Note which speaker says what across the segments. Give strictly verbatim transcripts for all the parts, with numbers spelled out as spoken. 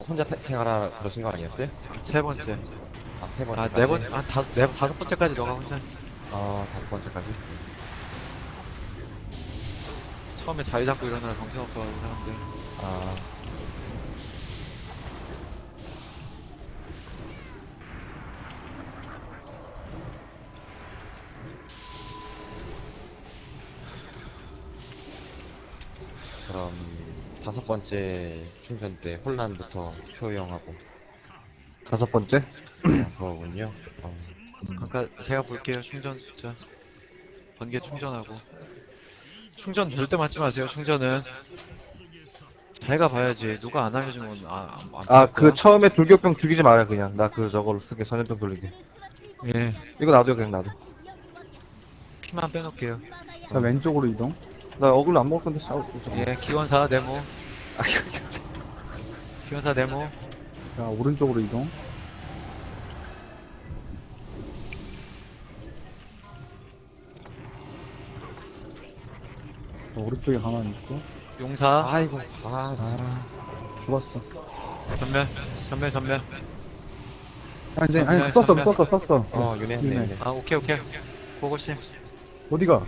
Speaker 1: 혼자 태- 태가라 그러신 거 아니었어요?
Speaker 2: 세 번째.
Speaker 1: 아, 세
Speaker 2: 아,
Speaker 1: 번째까지?
Speaker 2: 네 번, 아, 다섯, 네, 다섯 번째까지 너가 혼자.
Speaker 1: 어, 다섯 번째까지?
Speaker 2: 처음에 자리 잡고 일어나라 정신없어가지고 사람들.
Speaker 1: 아, 그럼 다섯 번째 충전 때 혼란부터 효용하고
Speaker 3: 다섯 번째?
Speaker 1: 그거군요. 어,
Speaker 2: 아까 제가 볼게요, 충전 숫자. 번개 충전하고. 충전 절대 맞지 마세요, 충전은. 자기가 봐야지. 누가 안 알려주면 아, 안, 안
Speaker 3: 아,
Speaker 2: 피할
Speaker 3: 그
Speaker 2: 거야?
Speaker 3: 처음에 불격병 죽이지 마요, 그냥. 나 그 저걸로 쓰게, 전염병 돌리게.
Speaker 2: 예.
Speaker 3: 이거 놔둬요, 그냥 놔둬.
Speaker 2: 피만 빼놓을게요.
Speaker 4: 자,
Speaker 3: 어.
Speaker 4: 왼쪽으로 이동.
Speaker 3: 나 어글로 안 먹을 건데 싸우고.
Speaker 2: 예, 기원사 네모.
Speaker 3: 아,
Speaker 2: 기원사 네모.
Speaker 4: 자, 오른쪽으로 이동. 자, 오른쪽에 가만히 있고.
Speaker 2: 용사.
Speaker 1: 아이고, 아,
Speaker 4: 아, 죽었어.
Speaker 2: 전멸. 전멸, 전멸.
Speaker 4: 아, 이제,
Speaker 2: 전멸,
Speaker 4: 아니, 썼어,
Speaker 2: 전멸.
Speaker 4: 썼어, 썼어.
Speaker 1: 어, 윤회했네,
Speaker 4: 윤회.
Speaker 1: 윤회.
Speaker 2: 아, 오케이, 오케이. 고고씨.
Speaker 4: 어디가?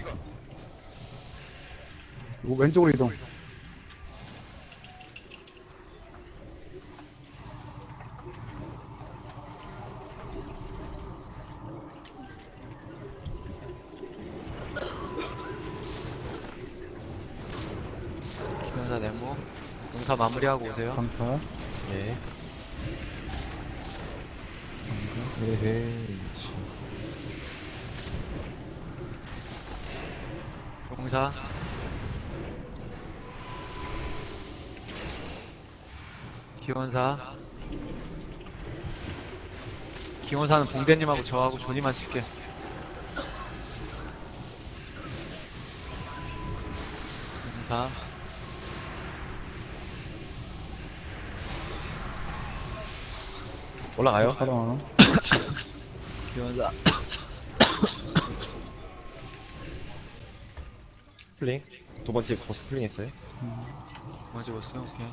Speaker 4: 이거 왼쪽으로 이동.
Speaker 2: 기원사 네모. 용사 마무리하고 오세요.
Speaker 4: 강타.
Speaker 1: 예.
Speaker 3: 에헤이.
Speaker 2: 용사. 기원사. 기원사는 봉대님하고 저하고 조니만 칠게. 용사.
Speaker 1: 올라가요?
Speaker 4: 가라.
Speaker 2: 기원사.
Speaker 1: 플링? 두 번째 보스 플링 했어요?
Speaker 2: 뭐 집었어요? 오케이.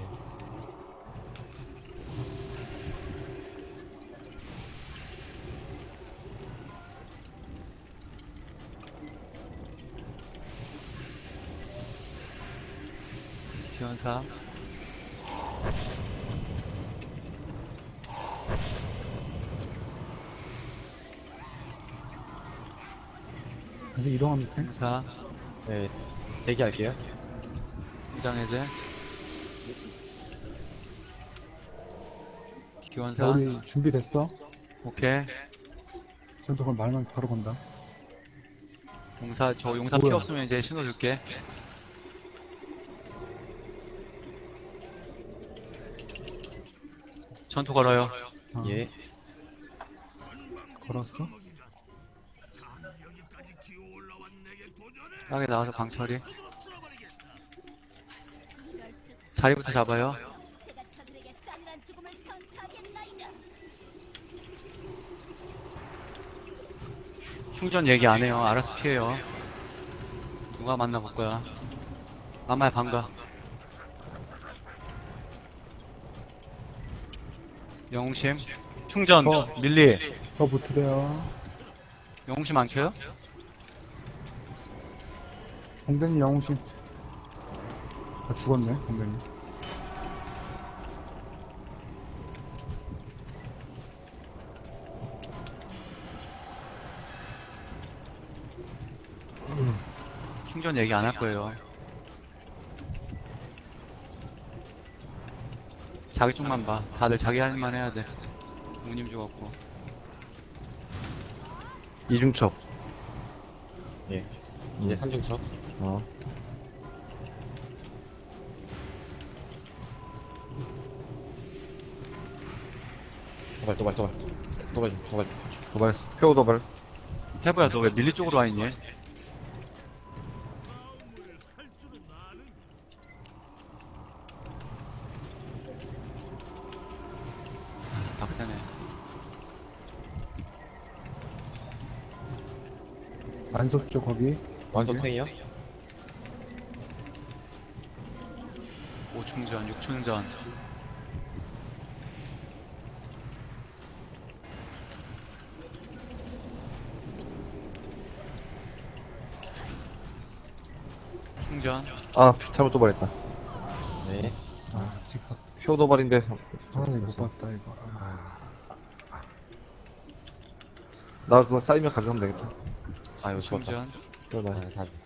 Speaker 2: 기원사.
Speaker 4: 아직 이동하면 돼?
Speaker 2: 용사.
Speaker 1: 네, 대기할게요.
Speaker 2: 무장해제.
Speaker 4: 자,
Speaker 2: 기원사.
Speaker 4: 우리 준비됐어?
Speaker 2: 오케이.
Speaker 4: 전투 그럼 말만 바로 건다.
Speaker 2: 용사, 저 용사 피
Speaker 4: 뭐야?
Speaker 2: 없으면 이제 신호 줄게. 전투 걸어요.
Speaker 4: 아,
Speaker 1: 예.
Speaker 4: 걸었어?
Speaker 2: 땅에 나와서 강철이. 자리부터 잡아요.
Speaker 5: 제가 저들에게 싸늘한 죽음을 선사하겠나이다.
Speaker 2: 충전 얘기 안 해요. 알아서 피해요. 누가 만나볼 거야. 아마야 반가. 영웅심. 충전.
Speaker 4: 어.
Speaker 2: 밀리.
Speaker 4: 더 붙으래요.
Speaker 2: 영웅심 안 켜요?
Speaker 4: 공대님 영웅신. 아, 죽었네, 공대님.
Speaker 2: 충전 얘기 안 할 거예요. 자기 쪽만 봐. 다들 자기 할 일만 해야 돼. 우님 죽었고.
Speaker 3: 이중첩.
Speaker 1: 예. 이제 삼중첩.
Speaker 3: 어.
Speaker 1: 도발, 도발, 도발. 도발, 도발.
Speaker 3: 도발, 표우 도발.
Speaker 2: 해보야 너 왜 밀리 쪽으로 와 있니? 박세네.
Speaker 4: 안소수죠, 거기.
Speaker 1: 완소탱이요?
Speaker 2: 오충전, 육충전. 충전.
Speaker 3: 아 잘못 도발했다.
Speaker 1: 네.
Speaker 4: 아 직사.
Speaker 3: 효 도발인데.
Speaker 4: 아 이거 못 봤다 이거. 아,
Speaker 3: 나 그거 쌓이면 가져가면 되겠다.
Speaker 1: 아, 이거 죽었다.
Speaker 2: 충전.
Speaker 3: 그러다.
Speaker 1: 아, 다